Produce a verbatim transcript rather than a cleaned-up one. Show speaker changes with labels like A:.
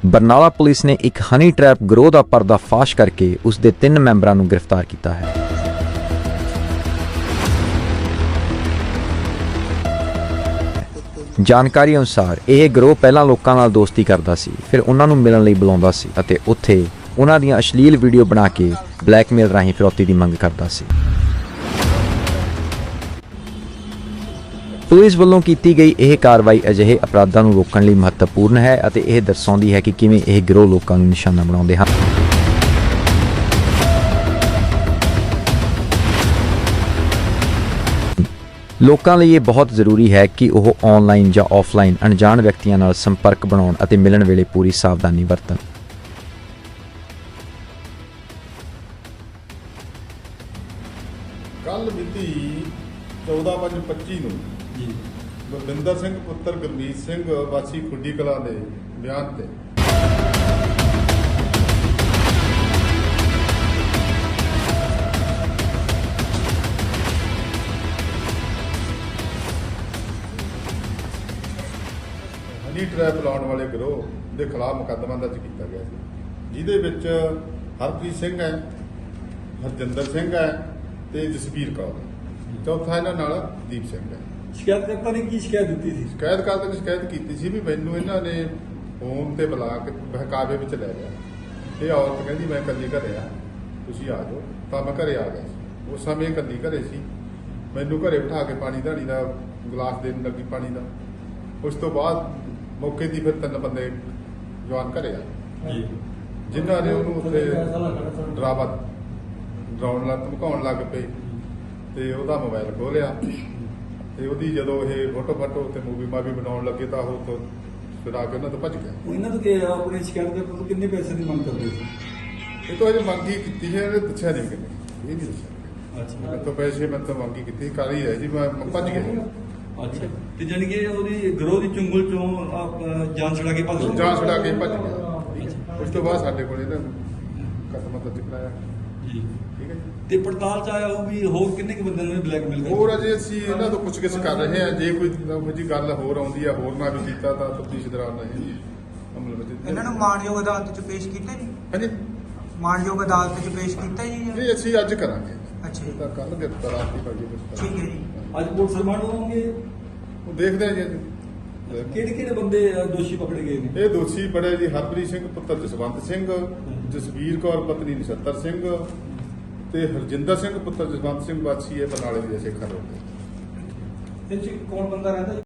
A: Barnala police ਨੇ ਇੱਕ honey trap ਗਰੋਹ ਦਾ ਪਰਦਾਫਾਸ਼ ਕਰਕੇ ਉਸ ਦੇ ਤਿੰਨ ਮੈਂਬਰਾਂ ਨੂੰ ਗ੍ਰਿਫਤਾਰ ਕੀਤਾ ਹੈ। ਜਾਣਕਾਰੀ ਅਨੁਸਾਰ ਇਹ ਗਰੋਹ ਪਹਿਲਾਂ ਲੋਕਾਂ ਨਾਲ ਦੋਸਤੀ ਕਰਦਾ ਸੀ, ਫਿਰ ਉਹਨਾਂ ਨੂੰ ਮਿਲਣ ਲਈ ਬੁਲਾਉਂਦਾ ਸੀ ਅਤੇ ਉੱਥੇ ਉਹਨਾਂ ਦੀਆਂ ਅਸ਼ਲੀਲ ਵੀਡੀਓ ਬਣਾ ਕੇ ਬਲੈਕਮੇਲ ਰਾਹੀਂ ਫਿਰੌਤੀ ਦੀ ਮੰਗ ਕਰਦਾ ਸੀ। ਪੁਲਿਸ ਵੱਲੋਂ ਕੀਤੀ ਗਈ ਇਹ ਕਾਰਵਾਈ ਅਜਿਹੇ ਅਪਰਾਧਾਂ ਨੂੰ ਰੋਕਣ ਲਈ ਮਹੱਤਵਪੂਰਨ ਹੈ ਅਤੇ ਇਹ ਦਰਸਾਉਂਦੀ ਹੈ ਕਿ ਕਿਵੇਂ ਇਹ ਗਿਰੋਹ ਲੋਕਾਂ ਨੂੰ ਨਿਸ਼ਾਨਾ ਬਣਾਉਂਦੇ ਹਨ। ਲੋਕਾਂ ਲਈ ਇਹ ਬਹੁਤ ਜ਼ਰੂਰੀ ਹੈ ਕਿ ਉਹ ਆਨਲਾਈਨ ਜਾਂ ਆਫਲਾਈਨ ਅਣਜਾਣ ਵਿਅਕਤੀਆਂ ਨਾਲ ਸੰਪਰਕ ਬਣਾਉਣ ਅਤੇ ਮਿਲਣ ਵੇਲੇ ਪੂਰੀ ਸਾਵਧਾਨੀ ਵਰਤਣ।
B: ਕੱਲ ਮਿਤੀ ਚੌਦਾਂ ਪੰਜ ਪੱਚੀ ਨੂੰ ਜੀ ਬਲਵਿੰਦਰ ਸਿੰਘ ਪੁੱਤਰ ਗੁਰਮੀਤ ਸਿੰਘ ਵਾਸੀ ਖੁੱਡੀ ਕਲਾਂ ਦੇ ਬਿਆਨ ਤੇ ਹਨੀ ਟ੍ਰੈਪ ਲਾਉਣ ਵਾਲੇ ਗਰੋਹ ਦੇ ਖਿਲਾਫ ਮੁਕੱਦਮਾ ਦਰਜ ਕੀਤਾ ਗਿਆ ਸੀ, ਜਿਹਦੇ ਵਿੱਚ ਹਰਪ੍ਰੀਤ ਸਿੰਘ ਹੈ, ਹਰਜਿੰਦਰ ਸਿੰਘ ਹੈ ਤੇ ਜਸਵੀਰ ਕੌਰ। ਚੌਥਾ ਇਹਨਾਂ ਨਾਲ ਦੀਪ ਸਿੰਘ ਹੈ।
C: ਸ਼ਿਕਾਇਤਕਰਤਾ ਨੇ ਕੀ ਸ਼ਿਕਾਇਤ ਦਿੱਤੀ ਸੀ?
B: ਸ਼ਿਕਾਇਤਕਰਤਾ ਨੇ ਸ਼ਿਕਾਇਤ ਕੀਤੀ ਸੀ ਵੀ ਮੈਨੂੰ ਇਹਨਾਂ ਨੇ ਫੋਨ ਤੇ ਬੁਲਾ ਕੇ ਬਹਿਕਾਵੇ ਵਿੱਚ ਲੈ ਗਿਆ। ਇਹ ਔਰਤ ਕਹਿੰਦੀ ਮੈਂ ਇਕੱਲੀ ਘਰੇ ਆ, ਤੁਸੀਂ ਆ ਜਾਓ। ਤਾਂ ਮੈਂ ਘਰੇ ਆ ਗਿਆ ਸੀ। ਉਸ ਸਮੇਂ ਇਕੱਲੀ ਘਰੇ ਸੀ। ਮੈਨੂੰ ਘਰੇ ਬਿਠਾ ਕੇ ਪਾਣੀ ਧਾਣੀ ਦਾ ਗਲਾਸ ਦੇਣ ਲੱਗੀ ਪਾਣੀ ਦਾ। ਉਸ ਤੋਂ ਬਾਅਦ ਮੌਕੇ ਦੀ ਫਿਰ ਤਿੰਨ ਬੰਦੇ ਜਵਾਨ ਘਰੇ ਆ ਜਿਨ੍ਹਾਂ ਨੇ ਉਹਨੂੰ ਉੱਥੇ ਡਰਾਵਾ ਡਰਾਉਣ ਲੱਗ ਧਮਕਾਉਣ ਲੱਗ ਪਏ ਤੇ ਉਹਦਾ ਮੋਬਾਈਲ ਖੋਲਿਆ ਤੇ ਉਹਦੀ ਜਦੋਂ ਇਹ ਫੋਟੋ ਫਾਟੋ ਤੇ ਮੂਵੀ ਮਾਵੀ ਬਣਾਉਣ ਲੱਗੇ ਤਾਂ ਉਹ ਤੋਂ ਫਿਰ ਆ ਕੇ ਉਹਨਾਂ ਤੋਂ ਭੱਜ ਗਿਆ।
C: ਇਹਨਾਂ ਤੋਂ ਕਿ ਆਪਣੇ ਸ਼ਿਕਾਇਤਕਰਤਾ ਤੋਂ ਕਿੰਨੇ ਪੈਸੇ ਦੀ ਮੰਗ ਕਰਦੇ ਸੀ?
B: ਇਹ ਤੋਂ ਇਹ ਮੰਗੀ ਕੀਤੀ ਹੈ, ਇਹਨੇ ਦੱਸਿਆ ਨਹੀਂ ਕਿੰਨੇ, ਇਹ ਨਹੀਂ ਦੱਸਿਆ।
C: ਅੱਛਾ,
B: ਮੈਂ ਤਾਂ ਪੈਸੇ ਮੈਂ ਤਾਂ ਮੰਗੀ ਕੀਤੀ ਕਰ ਹੀ ਰਿਹਾ ਜੀ, ਮੈਂ ਭੱਜ ਗਿਆ।
C: ਅੱਛਾ, ਤੇ ਜਾਨੀ ਕਿ ਉਹਦੀ ਗਰੋਹ ਦੀ ਚੁੰਗਲ ਚੋਂ ਆਪ ਜਾਨ ਛੁਡਾ ਕੇ ਭੱਜ
B: ਜਾਂ ਛੁਡਾ ਕੇ ਭੱਜ ਗਿਆ। ਉਸ ਤੋਂ ਬਾਅਦ ਸਾਡੇ ਕੋਲ ਇਹਨਾਂ ਕਦਮ ਦਰਜ ਕਰਾਇਆ।
C: ਜੀ,
B: ਠੀਕ ਹੈ ਜੀ।
C: ਤੇ ਪੜਤਾਲ ਚ ਆਇਆ ਉਹ ਵੀ ਹੋਰ ਕਿੰਨੇ ਕੁ ਬੰਦਿਆਂ ਨੂੰ ਬਲੈਕਮੇਲ ਕਰਦੇ?
B: ਹੋਰ ਅਜੇ ਅਸੀਂ ਇਹਨਾਂ ਤੋਂ ਪੁੱਛਗਿੱਛ ਕਰ ਰਹੇ ਹਾਂ। ਜੇ ਕੋਈ ਇਹੋ ਜਿਹੀ ਗੱਲ ਹੋਰ ਆਉਂਦੀ ਹੈ, ਹੋਰ ਨਾ ਵੀ ਕੀਤਾ ਤਾਂ ਤਫਤੀਸ਼ ਦੌਰਾਨ ਰਹੇ ਅਮਲ ਵਿੱਚ।
D: ਇਹਨਾਂ ਨੂੰ ਮਾਣਯੋਗ ਅਦਾਲਤ 'ਚ ਪੇਸ਼ ਕੀਤਾ ਜੀ?
B: ਹਾਂਜੀ,
D: ਮਾਣਯੋਗ ਅਦਾਲਤ 'ਚ ਪੇਸ਼ ਕੀਤਾ ਜੀ?
B: ਨਹੀਂ ਅਸੀਂ ਅੱਜ ਕਰਾਂਗੇ।
D: ਅੱਛਾ ਜੀ,
B: ਤਾਂ ਕੱਲ ਗ੍ਰਿਫਤਾਰ ਆਤੀ ਪਾਜੀ
D: ਠੀਕ ਹੈ ਜੀ।
C: ਅੱਜ ਪੁਲਿਸ ਰਿਮਾਂਡ ਹੋਣਗੇ।
B: ਉਹ ਦੇਖਦੇ ਹਾਂ ਜੀ ਅੱਜ।
C: ਕਿਹੜੇ ਕਿਹੜੇ ਬੰਦੇ ਅ, ਦੋਸ਼ੀ ਪਕੜੇ ਗਏ ਨੇ?
B: ਇਹ ਦੋਸ਼ੀ ਬੜੇ ਜੀ ਹਰਪ੍ਰੀਤ ਸਿੰਘ ਪੁੱਤਰ ਜਸਵੰਤ ਸਿੰਘ, ਜਸਵੀਰ ਕੌਰ ਪਤਨੀ ਨਛੱਤਰ ਸਿੰਘ ਤੇ ਹਰਜਿੰਦਰ ਸਿੰਘ ਪੁੱਤਰ ਜਸਵੰਤ ਸਿੰਘ ਵਾਸੀ ਹੈ ਬਰਨਾਲੇ ਦੇ ਸੇਖਾ ਰੋਡ ਤੇ।
C: ਇਹ ਚ ਕੌਣ ਬੰਦਾ ਰਹਿੰਦਾ?